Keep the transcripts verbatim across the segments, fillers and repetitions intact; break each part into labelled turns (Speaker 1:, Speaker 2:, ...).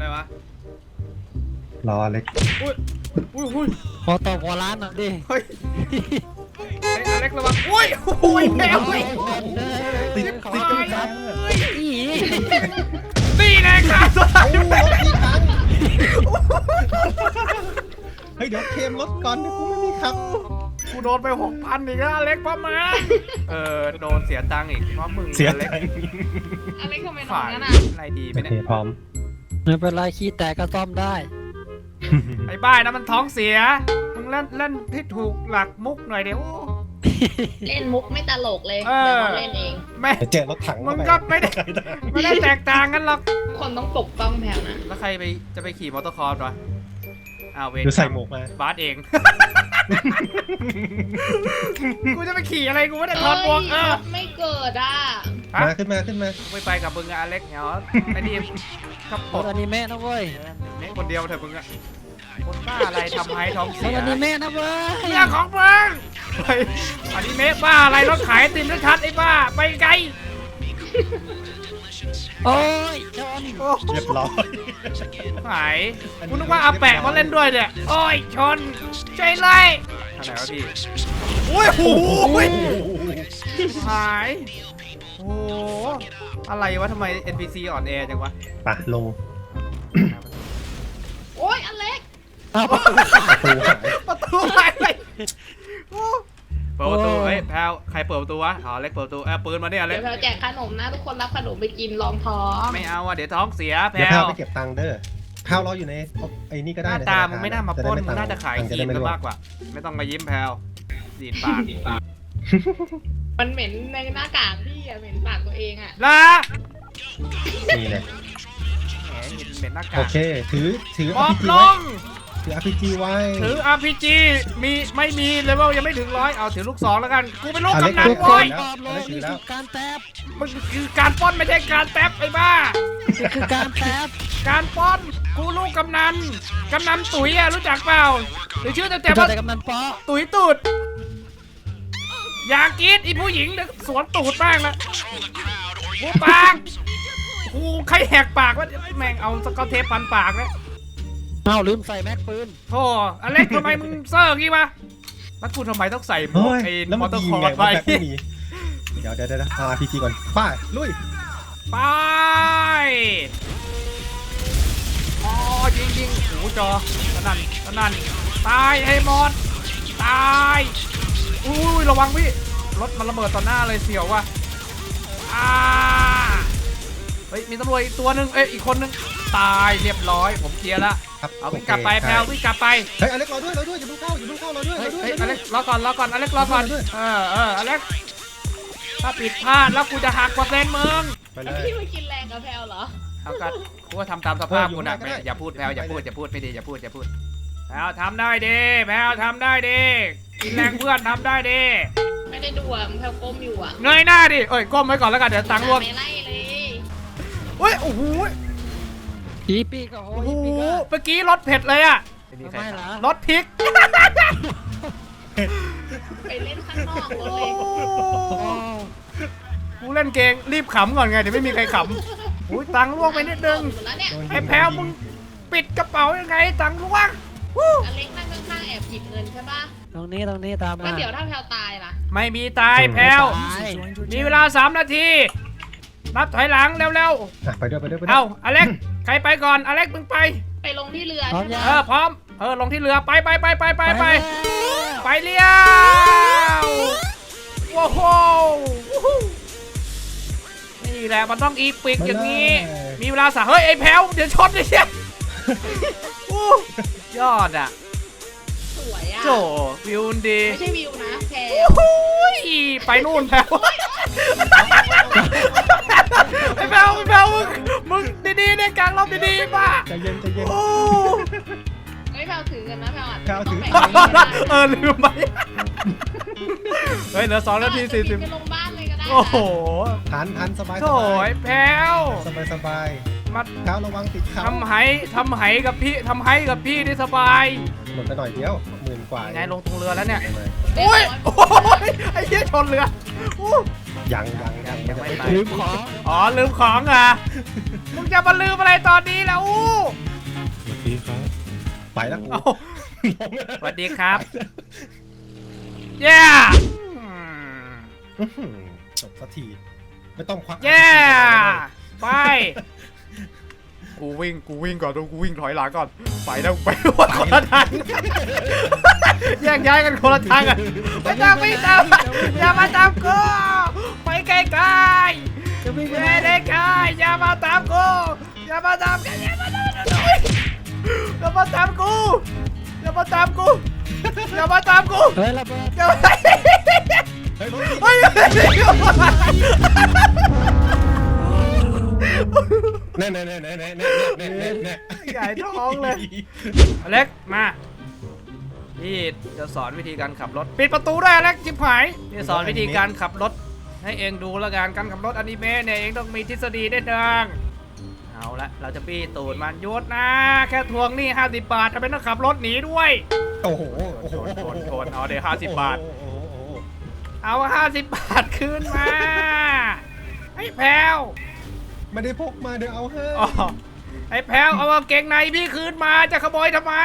Speaker 1: อะไรวะ
Speaker 2: รอเล็ก
Speaker 1: อุ้ยอุ้ยอุ้ย
Speaker 3: พอต่อพอร้านหน่อยดิ
Speaker 1: เฮ้ยไอ้อเล็กระวังอุ้ยอุ้ยแมว
Speaker 2: ติดติดกันจัง
Speaker 1: นี่ไงครับ
Speaker 2: เฮ้ยเดี๋ยวเคมรถก่อนเดี๋ยวกูไม่มีครับ
Speaker 1: กูโดนไปหกพันอีกแล้วอเล็กป้ามาเออโดนเสียตังค์อีกเพราะมึง
Speaker 2: เสีย
Speaker 1: เล็ก
Speaker 4: อเล็กทำไมนอนงั้นอ่ะ
Speaker 1: อะไรดีไปเนี่ย
Speaker 2: พร้อม
Speaker 3: ไม่เป็นไรขี้แตกก็ซ่อมได้
Speaker 1: ไอ้บ้านะมันท้องเสียมึงเล่นเล่นที่ถูกหลักมุกหน่อยเดี๋ยว
Speaker 4: เล่นมุกไม่ตลกเลยเดี๋ยวเราเล่นเอง
Speaker 1: ไม่
Speaker 2: เจอรถถัง
Speaker 1: มึงก็ไม่ได้ไม่ได้แตกต่างกันหรอก
Speaker 4: คนต้องปกป้องแพลนะ
Speaker 1: แล้วใครไปจะไปขี่มอเตอร์คอร์สวะอ้าวเวร
Speaker 2: ใส่หมวกมา
Speaker 1: บาสเองกูจะไปขี่อะไรกูไม่ได้ถอดหมวกเออ
Speaker 4: ไม่เกิดอ่ะ
Speaker 2: มาขึ้นมาขึ้นมา
Speaker 1: ไม่ไปกับมึงอะอเล็กเหรอไอ้นี่กับป
Speaker 3: ดอนิเมะนะเว้ย
Speaker 1: เมฆคนเดียวเถอะมึงอะคนบ้าอะไรทำให้ท้องเสีย
Speaker 3: อนิเมะนะเว้ย
Speaker 1: เรื่องของมึงเฮ้ยอนิเมะบ้าอะไรรถขายติมชัดไอ้บ้าไปไกล
Speaker 3: โอ้ยชน
Speaker 2: เรียบร้อย
Speaker 1: หายคุณนึกว่าอาแปะมาเล่นด้วยเนี่ยโอ้ยชนใจเลยทางไหนวะพี่โอ้ยโหหายโอ้อะไรวะทำไม เอ็น พี ซี อ่อนแอจังวะ
Speaker 2: ปะลง
Speaker 4: โอ้ยอเล็ก
Speaker 2: ประตูหาย
Speaker 1: ประตูหายไปเปิดประตูเฮ้ยแพลวใครเปิดประตูวะอ๋อเล็กเปิดประตูเออปืนมาเนี่ยเล็ก
Speaker 4: เดี๋ยวแพลวแจกขนมนะทุกคนรับขนมไปกินรองท้อง
Speaker 1: ไม่เอาอ่ะเดี๋ยวท้องเสียแพลว
Speaker 2: เดี๋ยวแพลวไปเก็บตังค์เด้อแพลวรออยู่ในไอ้นี่ก็ได้
Speaker 1: หน้าตามึงไม่น่ามาปล้นมึงน่าจะขายครีมมากกว่าไม่ต้องมายิ้มแพลวดีดปาก
Speaker 4: มันเหม็นในหน้ากากพี่อะเหม็นปากตัวเองอะ
Speaker 1: ล่ะ
Speaker 2: นี่เลย
Speaker 1: แหมเหม็นหน้ากาก
Speaker 2: โอเคถือถือ
Speaker 1: มอบลง
Speaker 2: ถือ อาร์ พี จี ไว้
Speaker 1: ถือ อาร์ พี จี มีไม่มีเลยว่ายังไม่ถึงร้อยเอาถือลูกสองแล้วกันกูเป็นลูกกำนันโว้ย
Speaker 3: นี่คือการแทบ
Speaker 1: มันคือการป้อนไม่ใช่การแทบไอ้บ้า
Speaker 3: นี่คือการแทบ
Speaker 1: การป้อนกูลูกกำนันกำนันตุ๋ยอะรู้จักเปล่าหรือชื่อแต่แต่ว่าก
Speaker 3: ำนันป๊อ
Speaker 1: ตุ๋ยตูดอยากกินอีผู้หญิงสวนตูดแม่งละกูปากกูใครแหกปากวะแม่งเอาสกอตเทปพันปากเลย
Speaker 3: เอาลืมใส่แม็กปืน
Speaker 1: โธ่อเล็กทำไมมึงเซอร์กี้วะแล้วกูทำไมต้องใส่หมวกไอ้มอเตอร์คอร์สไป
Speaker 2: เดี๋ยวเดี๋ยวเดี๋ยว อาร์ พี จี ก่อนป้าลุย
Speaker 1: ไปอ๋อยิงยิงหูจอตะนั่นตะนั่นตายให้หมดตายอุ้ยระวังพี่รถมันระเบิดต่อหน้าเลยเสียวว่ะอ่าเฮ้ยมีตำรวจอีกตัวหนึ่งเอ้ยอีกคนนึงตายเรียบร้อยผมเคลียร์ละเอาวิ่งกลับไปแพลววิ่งกลับไป
Speaker 2: เฮ้ยอเล็กรอด้วยรอด้วยอย่าเพิ่งเข้าอย่าเพิ่งเข้ารอด้วย
Speaker 1: เฮ้ยอเล็กรอก่อนรอก่อนอเล็กรอก่อนเออเอออเล็กถ้าผิดพลาดแล้วกูจะหักเปอร์เซ็นต์มึง
Speaker 4: พี่มากินแรงกับแพลวเหรอ
Speaker 1: เอากันกูว่าทำตามสภาพกูนะอย่าพูดแพลวอย่าพูดอย่าพูดไม่ดีอย่าพูดอย่าพูดแพลวทำได้ดีแพลวทำได้ดีกินแรงเพื่อนทำได้ดี
Speaker 4: ไม่ได้ดูอ่ะแพลวก้มอยู่อ่ะ
Speaker 1: เงยหน้าดิเอ้ยก้มไว้ก่อนแล้วกันเดี๋ยวตังค์ร่วง
Speaker 4: ไม่ไล่เลย
Speaker 1: เฮ้ยโอ้โห
Speaker 3: ปีปีก็โอ้โห
Speaker 1: เมื่อกี้รถเผ็ดเลยอ่ะ
Speaker 3: ไม่ล่ะ
Speaker 1: รถพริก
Speaker 4: ไปเล่นข้างนอกเลย
Speaker 1: กูเล่นเกงรีบขำก่อนไงเดี๋ยวไม่มีใครขำอุ้ยตังค์ร่วงไปนิดนึงไอ้แพลวมึงปิดกระเป๋ายังไงตังค์ร่วง
Speaker 4: อเล็กนั่งข้างๆแอบหยิบเงินใช่ปะ
Speaker 3: ตรงนี้ตรงนี้ตามมา
Speaker 4: แล้วเดี๋ยวถ้าแพลวตายล่ะ
Speaker 1: ไม่มีตายแพลวมีเวลาสามนาทีนับถอยหลังเร็ว
Speaker 2: ๆไปด้วยไปด้วยไปด้วย
Speaker 1: เอาอเล็กใครไปก่อนอเล็กมึงไป
Speaker 4: ไปลงที่เรือใช่ไหม
Speaker 1: เออพร้อมเออลงที่เรือไปไปไปไปไปไปไปเลี้ยวว้าวนี่แหละมันต้องอีปิกอย่างนี้มีเวลาสามเฮ้ยไอ้แพลวเดี๋ยวชนไอ้เชี่ยยอดอ่ะ
Speaker 4: สวยอ่ะ
Speaker 1: โจวิวดี
Speaker 4: ไม่ใช่วิวนะแพลว
Speaker 1: ไปนู่นแพลวไอ้แพลวไอ้แพลวมึงมึงดีๆเนี่ยกลางลมดีๆป่ะ
Speaker 2: ใจเย็นใจเย็น
Speaker 4: ไอ้แพลวถือกันนะแพลวอ่ะ
Speaker 2: แพลวถือ
Speaker 1: เออลืมไปเฮ้ยเหลือสองนาทีสี่สิบโอ้โห
Speaker 2: ทันทันสบาย
Speaker 1: โถ่ไอ้แพลว
Speaker 2: สบายสบาย
Speaker 1: มา
Speaker 2: เท้าระวังติดเขา
Speaker 1: ทำไหทำไหกับพี่ทำไหกับพี่ได้สบาย
Speaker 2: หมดไปหน่อยเดียวหมื่นกว่า
Speaker 1: ไงลงตรงเรือแล้วเนี่ยโอ้ยโอ้ยไอ้เหี้ยชนเรือ
Speaker 2: ยังยังยัง
Speaker 1: ยังไม่ไป
Speaker 3: ลืมของ
Speaker 1: อ๋อลืมของอ่ะมึงจะมาลืมอะไรตอนนี้แล้วอู้
Speaker 2: สวัสดีครับไปแล้วกู
Speaker 1: เอ้าสวัสดีครับเย้
Speaker 2: อื้อหือจบสักทีไม่ต้องควัก
Speaker 1: เย้ไปกูวิ่งกูวิ่งก่อนกูวิ่งถอยหลังก่อนไปแล้วไปว่าคนละทางแยกย้ายกันคนละทางกันไม่ต้องไม่ต้องอย่ามาตามกูไปไกลๆ
Speaker 3: จะวิ่งไป
Speaker 1: ไม่
Speaker 3: ไหน
Speaker 1: ได้กายอย่ามาตามกูอย่ามาตามกันอย่ามาตามกูอย่ามาตามกูอย่ามาตามกูอย่ามาตามกู
Speaker 3: เฮ้ยระเบิด
Speaker 1: อย่ามา
Speaker 2: เฮ้ยรถ
Speaker 1: เฮ้ย
Speaker 2: แน่แน่แน่แน่แน่แน่แน่แน่แน่
Speaker 1: ใหญ่ท้องเลยอเล็กมาพี่จะสอนวิธีการขับรถปิดประตูด้วยอเล็กจิบหายพี่สอนวิธีการขับรถให้เองดูแล้วกันการขับรถอนิเมะเนี่ยเองต้องมีทฤษฎีได้ดังเอาละเราจะปี้ตูดมันหยุดนะแค่ทวงหนี้ห้าสิบบาททำไมต้องขับรถหนีด้วย
Speaker 2: โอ้โหโอ้
Speaker 1: โท
Speaker 2: โห
Speaker 1: นโทนโทนเอาเดี๋ยวห้าสิบบาท
Speaker 2: โอ้โหโอ้โห
Speaker 1: เอาห้าสิบบาทคืนมาไอ้แพลว
Speaker 2: ไม่ได้พกมาเดี๋ยวเอาให้
Speaker 1: อ๋อไอ้แพลวเอากางเกงในพี่คืนมาจะขโมยทำไม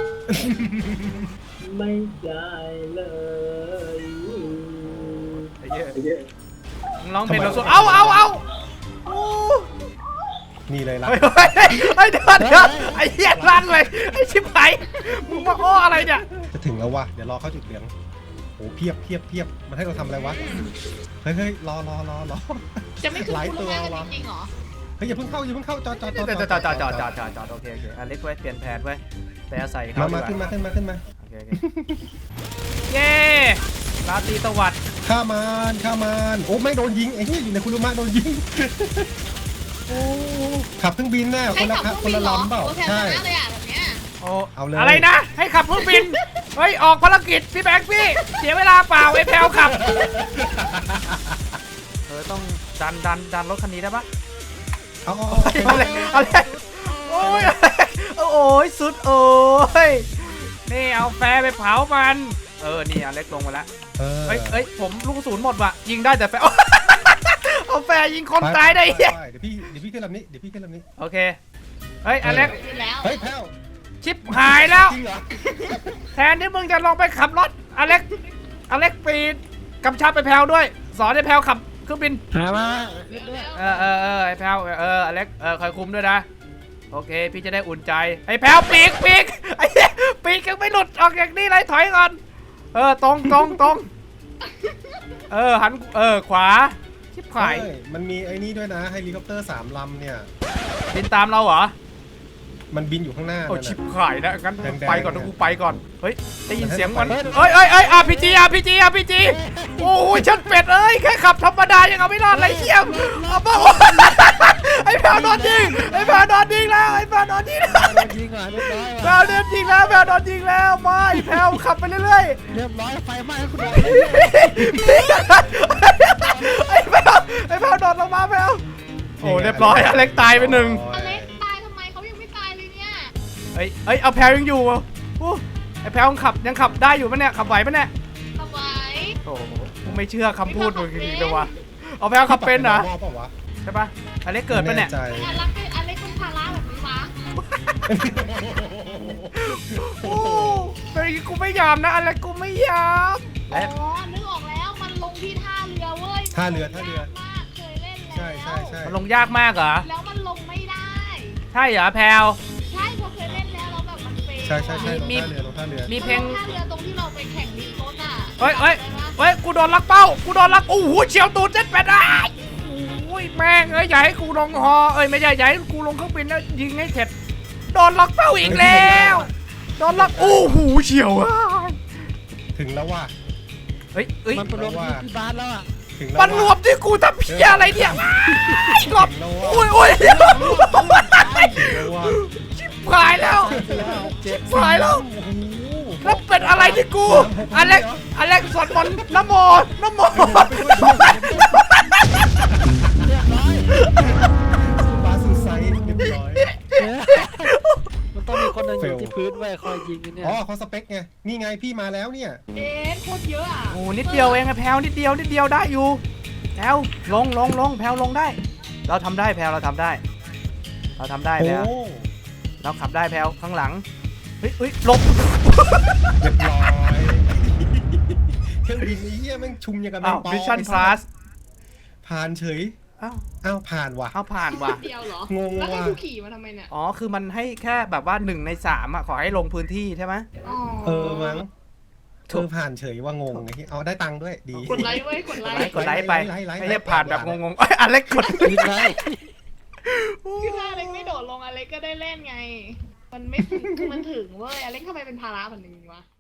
Speaker 5: ไม่ได้เลย
Speaker 1: ไอ้เหี้ยมึงร้องเพลงเราสดเอาเอาเอาโอ้
Speaker 2: นี่เลยล่ะ
Speaker 1: เฮ้ยเฮ้ยเฮ้ยเดือดเดือดไอ้เหี้ยลั่นเลยไอ้ชิบหายมึงมาอ้ออะไรเนี่ย
Speaker 2: จะถึงแล้ววะเดี๋ยวรอเข้าจุดเหลืองโอ้เพียบเพียบเพียบมันให้เราทำอะไรวะเฮ้ยเฮ้ยรอรอรอรอ
Speaker 4: จะไม่ขึ้น
Speaker 2: หลาย
Speaker 4: คุณ
Speaker 2: ตัว
Speaker 4: แม่กัน
Speaker 2: วะ
Speaker 4: จริงๆเหรอ
Speaker 2: เฮ้ยอย่าเพิ่งเข้าอย่าเพิ่งเข้าจอดจอด
Speaker 1: จอดจอดจอดจอดจอดจอดจอดโอเคโอเคอเล็กไว้เปลี่ยนแผนไว้ไปอาศัยเขา
Speaker 2: มา
Speaker 1: ดี
Speaker 2: มาก ขึ้นมา
Speaker 1: ว่า
Speaker 2: ขึ้นมาขึ้นมา
Speaker 1: โอเคโอเคเย้ราตรีสวัสดิ์
Speaker 2: ข้ามันข้ามันโอ้ไม่โดนยิงไอ้เหี้ยอยู่ในคุรุมะโดนยิงโอ้ขับเครื่องบินแน่ค
Speaker 4: ให้
Speaker 2: นละ
Speaker 4: ขับ
Speaker 2: ค
Speaker 4: เครื่
Speaker 2: น
Speaker 4: องบิน
Speaker 2: ละ
Speaker 4: เหรอ
Speaker 2: ลำเปล่า
Speaker 4: โอเคช
Speaker 2: ใช่
Speaker 4: นะเลยอ่ะแบบเนี้ย
Speaker 1: โอ้
Speaker 2: เอาเลย
Speaker 1: อะไรนะ ให้ขับเครื่องบิน เฮ้ย ออกภารกิจพี่แบงค์พี่ เสียเวลาเปล่าไอ้แพลวขับ เออต้องดันดันดันรถคันนี้ได้ปะ
Speaker 2: เอาเอา
Speaker 1: เอาเลยเอาเลยโอ้ยโอ้ยสุดโอ้ยนี่เอาแฟร์ไปเผามัน เออนี่อเล็กลงมาแล้ว
Speaker 2: เออ
Speaker 1: เอ้ยเอ้ยผมลูกกระสุนหมดว่ะยิงได้แต่แฟร์ เอาแฟร์ยิงคนตายได้
Speaker 2: ป
Speaker 1: เหี้ย
Speaker 2: ปเดี๋ยวพี่เดี๋ยวพี่ขึ้นลำนี้เดี๋ยวพี่ขึ้นลำนี้
Speaker 1: โอเคเฮ้ยอเล็ก
Speaker 4: ขึ้นแล้ว
Speaker 2: เฮ้ยแพ้ว
Speaker 1: ชิปหายแล้ว
Speaker 2: จริงเหรอ
Speaker 1: แทนที่มึงจะลองไปขับรถอเล็กอเล็กปีดกำชับไปแพลวด้วย สอนให้แพลวขับเครื่องบิน
Speaker 3: หามาขึ้นด้วย
Speaker 1: เออเออเออไอ้แพลวเอออเล็กเออคอยคุมด้วยนะโอเคพี่จะได้อุ่นใจไอ้แพลวปีกปีกไอ้เหี้ยปีกยังไม่หลุดออกจากนี่เลยถอยก่อนเออตรงตรงตรงเออหันเออขวาชิบหาย
Speaker 2: เฮ้ยมันมีไอ้นี่ด้วยนะเฮลิคอปเตอร์สามลำเนี่ย
Speaker 1: บินตามเราเหรอ
Speaker 2: มันบินอยู่ข้างหน้า
Speaker 1: โอ้
Speaker 2: นั่น
Speaker 1: ชิบ
Speaker 2: น่ะ
Speaker 1: หายนะงั้น
Speaker 2: แดงๆ
Speaker 1: ไปก่อนนะ
Speaker 2: เนี่ย
Speaker 1: กูไปก่อนเฮ้ยได้ยินเสียงมัน
Speaker 2: เฮ้ย
Speaker 1: เอ้ยเอ้ยเอ้ยอาร์พีจีอาร์พีจีอาร์พีจีโอ้ยชัดเป็ดเอ้ยแค่ขับธรรมดายังเอาไม่รอดเลยเชี่ยมเอาบ้าไอ้แพลวโดนยิงไอ้แพลวโดนยิงแล้วไอ้แพลวโดนยิงแล้ว
Speaker 3: โดนยิงเหรอเรียบร้อย
Speaker 1: แพล
Speaker 3: ว่ะ
Speaker 1: วโดนยิงแล้วแพลวโดนยิงแล้วไม่แพลวขับไปเรื่อย
Speaker 3: เรียบร้อยไฟไหม้คุณโดน
Speaker 1: ๆไอ้แพลวไอ้แพลวโดดลงมาแพลวโอ้เรียบร้อยอเล็กตายไปหนึ่ง
Speaker 4: อเล็กตายทำไมเขายังไม่ตายเลยเนี่ย
Speaker 1: เอ้ยเอ้ยเอาแพลวยังอยู่อ่ะโอ้ไอ้แพลวยังขับยังขับได้อยู่ปะเนี่ยขับไหวปะเนี่ย
Speaker 4: เอาไว้
Speaker 1: โอ้โหกูไม่เชื่อคำพูดมึงจริงๆเลยวะเอาแพลวขับเป็นเหรอ
Speaker 2: มอเปล่าวะ
Speaker 1: ใช่ปะอเล็กเกิดปะเนี่ย
Speaker 2: ไม่แใจ
Speaker 4: อเล็กเป็นอเล็กเป็นภาระแบบนี้วะ
Speaker 1: โอ้เป็นอย่างงี้กูไม่ยอมนะอเล็กกูไม่ยอม
Speaker 4: อ๋อนึกออกแล้วมันลงที่ท่าเรือเว้ย
Speaker 2: ท่าเรือท่าเรือ
Speaker 4: มากเคยเล่นแล้ว
Speaker 2: ใช่ใช่ใช่
Speaker 1: มันลงยากมากเหรอ
Speaker 4: แล้วมันลงไม่ได้
Speaker 1: ใช่เหรอแพลว
Speaker 4: ใช่พอเคยเล่นแล้วแล้วแบบมันเฟล
Speaker 2: ใช่ใช่ใช่ลง
Speaker 1: มี
Speaker 2: ท่าเรือลงท่าเรือ
Speaker 1: มีเพลง
Speaker 4: ท่าเรือตรงที่เราไปแข่งดินรถอ่ะ
Speaker 1: เฮ้ยเฮ้ยเฮ้ยกูโดนลักเป้ากูโดนลักโอ้โหเฉียวตูดเจ็ดแปดได้โอ้ยแม่งเอ้ยอย่าให้กูลงฮอเอ้ยไม่ใช่อย่าให้กูลงเครื่องบินแล้วยิงให้เสร็จโดนลักเป้าอีกแล้วโดนลักโอ้โหเฉียวอ่ะ
Speaker 2: ถึงแล้วว่ะ
Speaker 1: เฮ้ยเฮ้ย
Speaker 3: มันไปรวมที่ที่บ้านแล้วอ่ะ
Speaker 2: ถึงแล้ว
Speaker 1: มันรว
Speaker 2: ว่ะ
Speaker 1: มที่กูทำเพี้ยอะไรเนี่ยไอ้รอบ
Speaker 2: ถึงแล้ว
Speaker 1: โอ้ย
Speaker 2: ว่ะ
Speaker 1: โอ้ย
Speaker 2: ถึงแล้วว่ะ
Speaker 1: ชิบหายแล้วชิบหายแล้ว
Speaker 2: โอ้โห
Speaker 1: แล้วเป็นอะไรที่กูอเล็กอเล็กสวดมนต์นะโมนะโม
Speaker 3: เรียบร้อย
Speaker 2: บาสูไซด์เรียบร้อย
Speaker 3: มันต้องมีคนหนึ่งอยู่ที่พื้นไว้คอยยิงอยู่เนี่ย
Speaker 2: อ๋อเขาสเปคไงนี่ไงพี่มาแล้วเนี่ย
Speaker 4: เอ๊ะโคตรเยอะอ่ะ
Speaker 1: โอ้นิดเดียวเองอะแพลวนิดเดียวนิดเดียวได้อยู่แพลวลงลงลงแพลวลงได้ เราทำได้แพลวเราทำได้เราทำได้
Speaker 2: โอ้
Speaker 1: แพลวเราขับได้แพลวข้างหลังเฮ้ยเฮ้ยหลบ
Speaker 2: เรียบร้อยเครื่องบินไอ้เหี้ยแม่งชุมอย่างกับแม
Speaker 1: อ้าว
Speaker 2: งปอ
Speaker 1: มิชชั่น
Speaker 2: ไอ้
Speaker 1: พ
Speaker 2: สั
Speaker 1: ลั
Speaker 2: ส
Speaker 1: ส
Speaker 2: ผ่านเฉย
Speaker 1: อ้าว
Speaker 2: อ้าวผ่านว่ะ
Speaker 1: เอาผ่านว่ะ
Speaker 4: เดียวเหรอ
Speaker 2: งง
Speaker 4: แล้วให้
Speaker 2: ว่ะ
Speaker 4: กูขี่มาทำไมเนี่ย
Speaker 1: อ๋อคือมันให้แค่แบบว่าหนึ่งในสามอ่ะขอให้ลงพื้นที่ใช่ไหม
Speaker 4: อ๋อ
Speaker 2: เออมั้ง
Speaker 1: ถู
Speaker 2: เอก อผ่านเฉยว่างงไอ้เหี้ยเอาได้ตังค์ด้วยดี
Speaker 4: กดไลค์เว้ยกดไล
Speaker 1: กดไล
Speaker 4: ค์
Speaker 1: ค์กดไลค์ไป
Speaker 2: ไลค์ไลค์ไลค์
Speaker 1: ไม่ใช่ผ่านแบบงงๆเอ้ยอเล็กกด
Speaker 3: ยืนไล่
Speaker 4: คือถ้าอเล็กไม่โดดลงอเล็กก็ได้เล่นไง มันไม่ถึงคือมันถึงเว้ยอเล็กทำไมเป็นภาระแบบนี้วะ